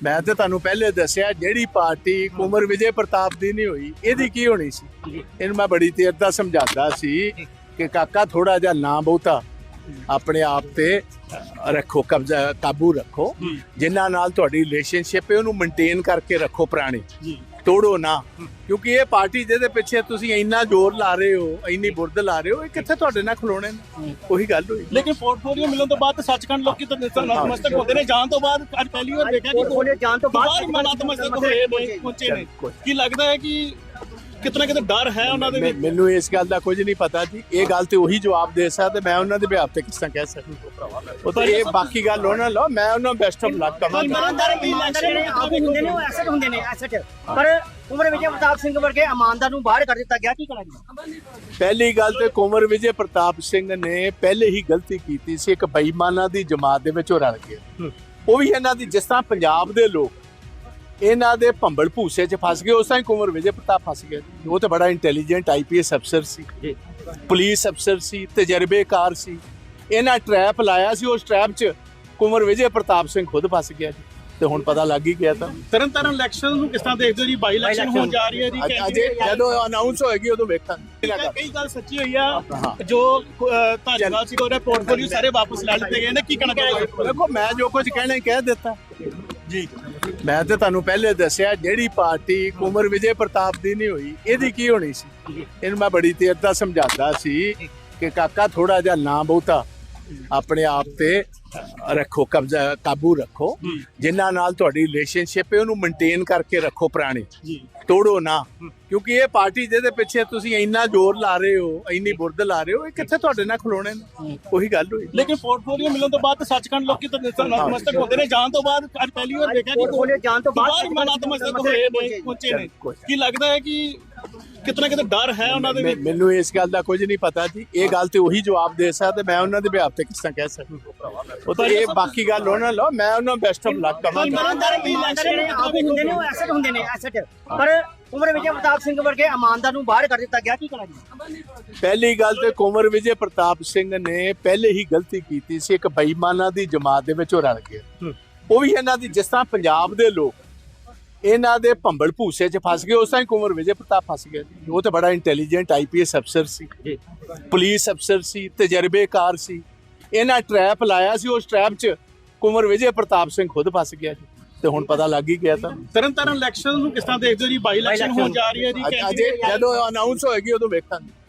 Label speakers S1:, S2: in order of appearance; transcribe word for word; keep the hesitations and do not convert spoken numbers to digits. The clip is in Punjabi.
S1: मैं तो तुहानू पहले दसिया जिहड़ी पार्टी कुंवर विजय प्रताप दी नहीं हुई इहदी की होनी सी। इहनूं मैं बड़ी देर दा समझाता सी कि काका थोड़ा जिहा ना बहुता अपने आप ते रखो, कब्जा काबू रखो, जिन्हां नाल तुहाडी रिलेशनशिप है उहनूं मेनटेन करके रखो, पुरानी तोड़ो ना। क्योंकि ये पार्टी जिहदे पिछे तुसीं इन्ना जोर ला रहे हो, इन्नी बुरद ला रहे हो, ये कित्थे तुहाडे नाल खलोणे ने? ਉਹੀ ਗੱਲ ਹੋਈ।
S2: लेकिन पोर्टफोलियो मिलने तो बाद सचखंड लोग तो नतमस्तक होते ने, जान तो बाद आज पहली बार देखा कि
S3: पोर्टफोलियो जान तो बाद
S2: नतमस्तक होए ने, पहुंचे ने। ਕੀ ਲੱਗਦਾ ਹੈ ਕਿ ਕਿਤਨਾ ਕਿਤੇ ਡਰ ਹੈ ਉਹਨਾਂ ਦੇ ਵਿੱਚ?
S1: ਮੈਨੂੰ ਇਸ ਗੱਲ ਦਾ ਕੁਝ ਨਹੀਂ ਪਤਾ ਜੀ, ਇਹ ਗੱਲ ਤੇ ਉਹੀ ਜਵਾਬ ਦੇ ਸਕਦਾ, ਮੈਂ ਉਹਨਾਂ ਦੇ ਬਿਹਾਫ ਤੇ ਕਿਸ ਤਰ੍ਹਾਂ ਕਹਿ ਸਕਦਾ। ਉਹ ਤੇ ਇਹ ਬਾਕੀ ਗੱਲ ਉਹਨਾਂ ਲਓ, ਮੈਂ ਉਹਨਾਂ ਬੈਸਟ ਆਫ ਲੱਕ ਕਹਾਂਗਾ।
S3: ਇਮਾਨਦਾਰ ਵੀ ਇਲੈਕਸ਼ਨ ਆਪ ਹੁੰਦੇ ਨੇ, ਉਹ ਐਸਟ ਹੁੰਦੇ ਨੇ, ਐਸਟ। ਪਰ ਕੁੰਵਰ ਵਿਜੇ ਪ੍ਰਤਾਪ ਸਿੰਘ ਵਰਗੇ ਇਮਾਨਦਾਰ ਨੂੰ ਬਾਹਰ ਕਰ ਦਿੱਤਾ ਗਿਆ, ਕੀ ਕਰਾਂਗੇ?
S1: ਪਹਿਲੀ ਗੱਲ ਤੇ ਕੁੰਵਰ ਵਿਜੇ ਪ੍ਰਤਾਪ ਸਿੰਘ ਨੇ ਪਹਿਲੇ ਹੀ ਗਲਤੀ ਕੀਤੀ ਸੀ, ਇੱਕ ਬੇਈਮਾਨਾਂ ਦੀ ਜਮਾਤ ਦੇ ਵਿੱਚ ਉਹ ਰਲ ਗਿਆ। ਉਹ ਵੀ ਇਹਨਾਂ ਦੀ, ਜਿਸ ਤਰ੍ਹਾਂ ਪੰਜਾਬ ਦੇ ਲੋਕ ਇਹਨਾਂ ਦੇ ਭੰਬਲ ਭੂਸੇ 'ਚ ਫਸ ਗਏ, ਉਸ ਤਰ੍ਹਾਂ ਹੀ ਕੁੰਵਰ ਵਿਜੇ ਪ੍ਰਤਾਪ ਫਸ ਗਿਆ। ਉਹ ਤਾਂ ਬੜਾ ਇੰਟੈਲੀਜੈਂਟ ਆਈ ਪੀ ਐਸ ਅਫਸਰ ਸੀ, ਪੁਲਿਸ ਅਫਸਰ ਸੀ, ਤਜਰਬੇਕਾਰ ਸੀ। ਇਹਨਾਂ ਟਰੈਪ ਲਾਇਆ ਸੀ, ਉਸ ਟਰੈਪ 'ਚ ਕੁੰਵਰ ਵਿਜੇ ਪ੍ਰਤਾਪ ਸਿੰਘ ਖੁਦ ਫਸ ਗਿਆ ਜੀ, ਤੇ ਹੁਣ ਪਤਾ ਲੱਗ ਹੀ ਗਿਆ। ਤਾਂ
S2: ਤਰਨ ਤਾਰਨ ਇਲੈਕਸ਼ਨ ਨੂੰ ਕਿਸ ਤਰ੍ਹਾਂ ਦੇਖਦੇ ਹੋ ਜੀ? ਬਾਈ ਇਲੈਕਸ਼ਨ ਹੋਣ ਜਾ ਰਹੀ ਹੈ ਜੀ,
S1: ਅਜੇ ਜਦੋਂ ਅਨਾਉਂਸ ਹੋਏਗੀ ਉਦੋਂ ਵੇਖਾਂਗੇ।
S2: ਕਈ ਗੱਲ ਸੱਚੀ ਹੋਈ ਆ, ਜੋ ਧਾਰੀਵਾਲ ਸੀ ਉਹਦੇ ਪੋਰਟਫੋਲੀਓ ਸਾਰੇ ਵਾਪਸ ਲੈ ਲਿੱਤੇ ਗਏ ਨੇ, ਕੀ ਕਹਿਣਾ ਚਾਹੋਗੇ?
S1: ਦੇਖੋ, ਮੈਂ ਜੋ ਕੁਝ ਕਹਿਣਾ ਕਹਿ ਦਿੱਤਾ ਜੀ। ਮੈਂ ਤੇ ਤੁਹਾਨੂੰ ਪਹਿਲੇ ਦੱਸਿਆ ਜਿਹੜੀ ਪਾਰਟੀ ਕੁੰਵਰ ਵਿਜੇ ਪ੍ਰਤਾਪ ਦੀ ਨਹੀਂ ਹੋਈ ਇਹਦੀ ਕੀ ਹੋਣੀ ਸੀ। ਇਹਨੂੰ ਮੈਂ ਬੜੀ ਦੇਰ ਦਾ ਸਮਝਾਤਾ ਸੀ ਕਿ ਕਾਕਾ ਥੋੜਾ ਜਿਹਾ ਨਾ ਬਹੁਤਾ ਆਪਣੇ ਆਪ ਤੇ ਰੱਖੋ, ਕਬਜ਼ਾ ਕਾਬੂ ਰੱਖੋ, ਜਿਨ੍ਹਾਂ ਨਾਲ ਤੁਹਾਡੀ ਰਿਲੇਸ਼ਨਸ਼ਿਪ ਹੈ ਉਹਨੂੰ ਮੇਨਟੇਨ ਕਰਕੇ ਰੱਖੋ, ਪੁਰਾਣੀ ਤੋੜੋ ਨਾ। ਕਿਉਂਕਿ ਇਹ ਪਾਰਟੀ ਜਿਹਦੇ ਪਿੱਛੇ ਤੁਸੀਂ ਇੰਨਾ ਜ਼ੋਰ ਲਾ ਰਹੇ ਹੋ, ਇੰਨੀ ਬੁਰਦ ਲਾ ਰਹੇ ਹੋ, ਇਹ ਕਿੱਥੇ ਤੁਹਾਡੇ ਨਾਲ ਖਲੋਣੇ ਨੇ? ਉਹੀ ਗੱਲ ਹੋਈ।
S2: ਲੇਕਿਨ ਪੋਰਟਫੋਲੀਓ ਮਿਲਣ ਤੋਂ ਬਾਅਦ ਸੱਚਖੰਡ ਲੋਕੀ ਤਾਂ ਨਤਮਸਤਕ ਹੁੰਦੇ ਨੇ, ਜਾਣ ਤੋਂ ਬਾਅਦ ਅੱਜ ਪਹਿਲੀ ਵਾਰ ਦੇਖਿਆ ਕਿ
S3: ਪੋਰਟਫੋਲੀਓ ਜਾਣ ਤੋਂ ਬਾਅਦ
S2: ਨਤਮਸਤਕ ਹੋਏ ਨੇ, ਪਹੁੰਚੇ ਨੇ। ਕੀ ਲੱਗਦਾ ਹੈ ਕਿ ਕਿਤਨਾ ਕਿਤੇ ਡਰ ਹੈ ਉਹਨਾਂ ਦੇ ਵਿੱਚ?
S1: ਮੈਨੂੰ ਇਸ ਗੱਲ ਦਾ ਕੁਝ ਨਹੀਂ ਪਤਾ ਜੀ, ਇਹ ਗੱਲ ਤੇ ਉਹੀ ਜਵਾਬ ਦੇ ਸਕਦਾ, ਮੈਂ ਉਹਨਾਂ ਦੇ ਬਿਹਾਫ ਤੇ ਕਿਸ ਤਰ੍ਹਾਂ ਕਹਿ ਸਕਦਾ। ਉਹ ਤੇ ਇਹ ਬਾਕੀ ਗੱਲ ਉਹਨਾਂ ਲਓ, ਮੈਂ ਉਹਨਾਂ ਬੈਸਟ ਆਫ ਲੱਕ ਕਹਾਂਗਾ।
S3: ਇਮਾਨਦਾਰ ਵੀ ਇਲੈਕਸ਼ਨ ਆਪ ਹੁੰਦੇ ਨੇ, ਉਹ ਐਸਟ ਹੁੰਦੇ ਨੇ, ਐਸਟ। ਪਰ ਕੁੰਵਰ ਵਿਜੇ ਪ੍ਰਤਾਪ ਸਿੰਘ ਵਰਗੇ ਇਮਾਨਦਾਰ ਨੂੰ ਬਾਹਰ ਕਰ ਦਿੱਤਾ ਗਿਆ, ਕੀ ਕਰਾਂਗੇ?
S1: ਪਹਿਲੀ ਗੱਲ ਤੇ ਕੁੰਵਰ ਵਿਜੇ ਪ੍ਰਤਾਪ ਸਿੰਘ ਨੇ ਪਹਿਲੇ ਹੀ ਗਲਤੀ ਕੀਤੀ ਸੀ, ਇੱਕ ਬੇਈਮਾਨਾਂ ਦੀ ਜਮਾਤ ਦੇ ਵਿੱਚ ਉਹ ਰਲ ਗਿਆ। ਉਹ ਵੀ ਇਹਨਾਂ ਦੀ, ਜਿਸ ਤਰ੍ਹਾਂ ਪੰਜਾਬ ਦੇ ਲੋਕ ਇਹਨਾਂ ਦੇ ਭੰਬਲ ਭੂਸੇ 'ਚ ਫਸ ਗਏ, ਉਸ ਤਰ੍ਹਾਂ ਹੀ ਕੁੰਵਰ ਵਿਜੇ ਪ੍ਰਤਾਪ ਫਸ ਗਿਆ। ਉਹ ਤਾਂ ਬੜਾ ਇੰਟੈਲੀਜੈਂਟ ਆਈ ਪੀ ਐਸ ਅਫਸਰ ਸੀ, ਪੁਲਿਸ ਅਫਸਰ ਸੀ, ਤਜਰਬੇਕਾਰ ਸੀ। ਇਹਨਾਂ ਟਰੈਪ ਲਾਇਆ ਸੀ, ਉਸ ਟਰੈਪ 'ਚ ਕੁੰਵਰ ਵਿਜੇ ਪ੍ਰਤਾਪ ਸਿੰਘ ਖੁਦ ਫਸ ਗਿਆ ਜੀ, ਤੇ ਹੁਣ ਪਤਾ ਲੱਗ ਹੀ ਗਿਆ। ਤਾਂ
S2: ਤਰਨ ਤਾਰਨ ਇਲੈਕਸ਼ਨ ਨੂੰ ਕਿਸ ਤਰ੍ਹਾਂ ਦੇਖਦੇ ਹੋ ਜੀ? ਬਾਈ ਇਲੈਕਸ਼ਨ ਹੋਣ ਜਾ ਰਹੀ ਹੈ ਜੀ,
S1: ਅਜੇ ਜਦੋਂ ਅਨਾਉਂਸ ਹੋਏਗੀ ਉਦੋਂ ਵੇਖਾਂਗੇ।